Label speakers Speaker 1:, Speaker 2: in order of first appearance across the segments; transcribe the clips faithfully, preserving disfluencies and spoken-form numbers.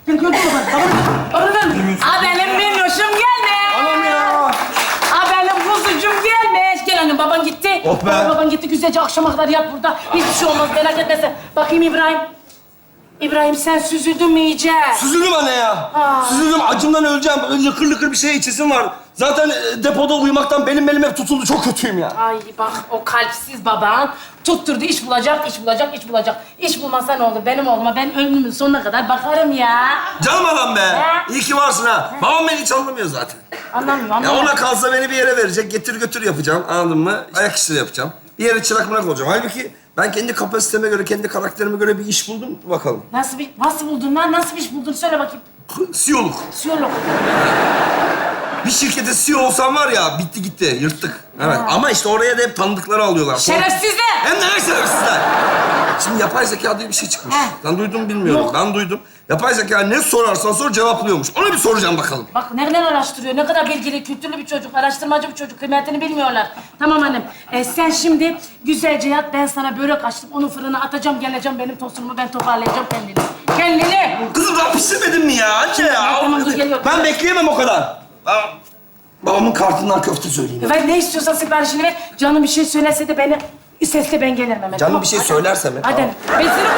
Speaker 1: Gel gördün mü bak? Babanı, babanı ver. Aa benim minnoşum gelmiş.
Speaker 2: Anam ya.
Speaker 1: Aa benim kuzucum gelmiş. Gel annem baban gitti.
Speaker 2: Oh be.
Speaker 1: Baba, baban gitti güzelce akşama kadar yat burada. Hiçbir şey olmaz merak etme sen. Bakayım İbrahim. İbrahim sen süzüldün mü iyice?
Speaker 2: Süzüldüm anne ya.
Speaker 1: Aa.
Speaker 2: Süzüldüm, acımdan öleceğim. Böyle lıkır lıkır bir şey içesim var. Zaten e, depoda uyumaktan benim belim hep tutuldu. Çok kötüyüm ya.
Speaker 1: Ay bak o kalpsiz baban tutturdu iş bulacak, iş bulacak, iş bulacak. İş bulmasa ne olur benim oğluma ben ömrümün sonuna kadar bakarım ya.
Speaker 2: Canım adam be.
Speaker 1: He?
Speaker 2: İyi ki varsın ha. Babam beni hiç anlamıyor zaten.
Speaker 1: Anlamıyorum
Speaker 2: Ya
Speaker 1: anlamıyorum.
Speaker 2: ona kalsa beni bir yere verecek. Getir götür yapacağım. Anladın mı? Ayak işleri yapacağım. Bir yere çırak mırak olacağım. Halbuki ben kendi kapasiteme göre, kendi karakterime göre bir iş buldum. Bakalım.
Speaker 1: Nasıl bir, nasıl buldun lan? Nasıl bir iş buldun? Söyle bakayım.
Speaker 2: C E O'luk.
Speaker 1: Siyolog.
Speaker 2: Bir şirkete C E O olsam var ya, bitti gitti, yırttık. Evet. Ama işte oraya da hep tanıdıkları alıyorlar.
Speaker 1: Şerefsizler!
Speaker 2: Hem de ne şerefsizler. Şimdi yapay zeka diye bir şey çıkmış.
Speaker 1: He.
Speaker 2: Ben duydum mu bilmiyorum.
Speaker 1: Yok.
Speaker 2: Ben duydum. Yapay zeka ne sorarsan sor cevaplıyormuş. Ona bir soracağım bakalım.
Speaker 1: Bak nereden araştırıyor? Ne kadar bilgili, kültürlü bir çocuk, araştırmacı bir çocuk. Kıymetini bilmiyorlar. Tamam annem. Ee, sen şimdi güzelce yat. Ben sana börek açtım. Onu fırına atacağım. Geleceğim benim tostumu. Ben toparlayacağım kendini. Kendini!
Speaker 2: Kızım daha pişirmedin mi ya? Anne ya.
Speaker 1: Tamam, dur, geliyorum.
Speaker 2: Ben bekleyemem o kadar. Ben babamın kartından köfte söyleyeyim.
Speaker 1: Ver ne istiyorsan siparişini ver. Canım bir şey söylese de beni... Sesle ben gelirim hemen.
Speaker 2: Canım
Speaker 1: tamam?
Speaker 2: bir şey
Speaker 1: Hadi.
Speaker 2: söylerse mi?
Speaker 1: Hadi.
Speaker 2: Tamam.
Speaker 1: Ben seni...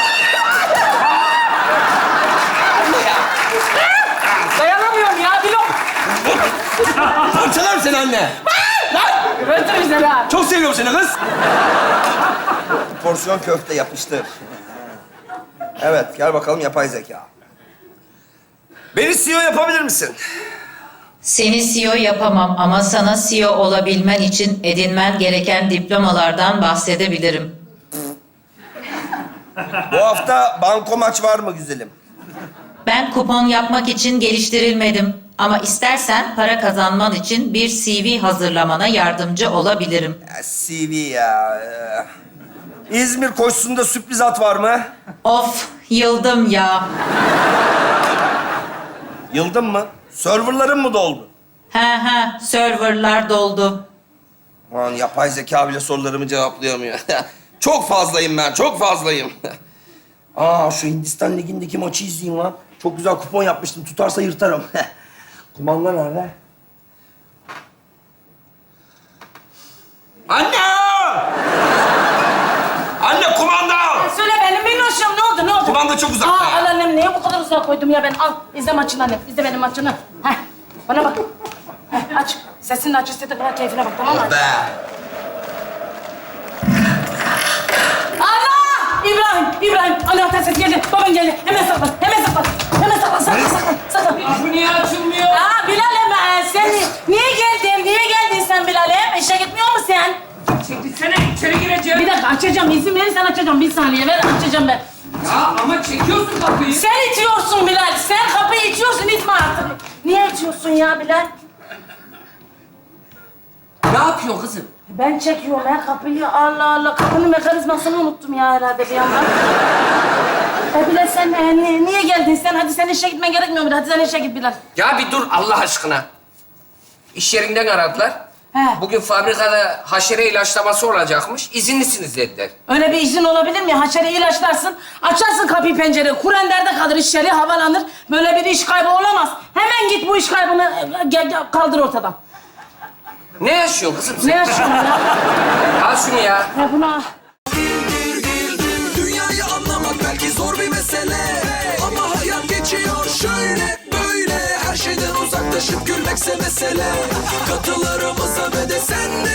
Speaker 1: Dayanamıyorum ya. Bir lok.
Speaker 2: Parçalarım seni anne.
Speaker 1: Öldür bizi ha.
Speaker 2: Çok seviyorum seni kız. Porsiyon köfte yapıştır. Evet, gel bakalım yapay zeka. Beni C E O yapabilir misin?
Speaker 3: Seni C E O yapamam ama sana C E O olabilmen için edinmen gereken diplomalardan bahsedebilirim.
Speaker 2: Bu hafta banko maç var mı güzelim?
Speaker 3: Ben kupon yapmak için geliştirilmedim. Ama istersen para kazanman için bir C V hazırlamana yardımcı olabilirim.
Speaker 2: Ya, C V ya. ee. İzmir koşusunda sürpriz at var mı?
Speaker 3: Of, yıldım ya.
Speaker 2: Yıldın mı? Serverların mı doldu?
Speaker 3: He he, serverlar doldu.
Speaker 2: Aman yapay zeka bile sorularımı cevaplayamıyor. Çok fazlayım ben, çok fazlayım. Aa, şu Hindistan Ligi'ndeki maçı izleyeyim lan. Çok güzel kupon yapmıştım. Tutarsa yırtarım. Kumanda nerede? Anne! Anne kumanda!
Speaker 1: Söyle benim minnoşum. Ne oldu, ne oldu?
Speaker 2: Kumanda çok uzakta
Speaker 1: Aa,
Speaker 2: ya.
Speaker 1: al annem. Niye bu kadar uzağa koydum ya ben? Al. İzle maçını annem. İzle benim maçını. Heh. Bana bak. Heh, aç. Sesini aç. İstediğin kadar keyfine bak. Tamam mı?
Speaker 2: Be!
Speaker 1: Allah! İbrahim, İbrahim. Anahtar sesi geldi. Baban geldi. Hemen saklan, hemen saklan. Hemen saklan, saklan, saklan. saklan.
Speaker 4: Bu niye açılmıyor?
Speaker 1: Aa Bilal'im, e, sen niye geldin? Niye geldin sen Bilal'im? İşe gitmiyor musun sen?
Speaker 4: Çekilsene, içeri gireceğim.
Speaker 1: Bir dakika açacağım. İzin verirsen açacağım. Bir saniye ver, açacağım ben.
Speaker 4: Ya ama çekiyorsun kapıyı.
Speaker 1: Sen itiyorsun Bilal. Sen kapıyı itiyorsun, itme artık. Niye itiyorsun ya Bilal?
Speaker 4: Ne yapıyor kızım?
Speaker 1: Ben çekiyorum ya kapıyı. Allah Allah. Kapının mekanizmasını unuttum ya herhalde bir yandan. E Bilal sen e, niye, niye geldin sen? Hadi sen işe gitmen gerekmiyor mu? Hadi sen işe git Bilal.
Speaker 4: Ya bir dur Allah aşkına. İş yerinden aradılar.
Speaker 1: He.
Speaker 4: Bugün fabrikada haşere ilaçlaması olacakmış. İzinlisiniz dediler.
Speaker 1: Öyle bir izin olabilir mi? Haşere ilaçlarsın, açarsın kapıyı pencereyi, kurenderde kalır iş yeri, havalanır. Böyle bir iş kaybı olamaz. Hemen git bu iş kaybını e, gel, gel, kaldır ortadan.
Speaker 4: Ne yaşıyorsun kızım sen?
Speaker 1: Ne yaşıyorsun ya?
Speaker 4: Al şunu ya.
Speaker 1: Ya buna...
Speaker 5: Dünyayı anlamak belki zor bir mesele, ama hayat geçiyor şöyle böyle. Her şeyden uzaklaşıp gülmekse mesele. Katılarımıza ve de sen de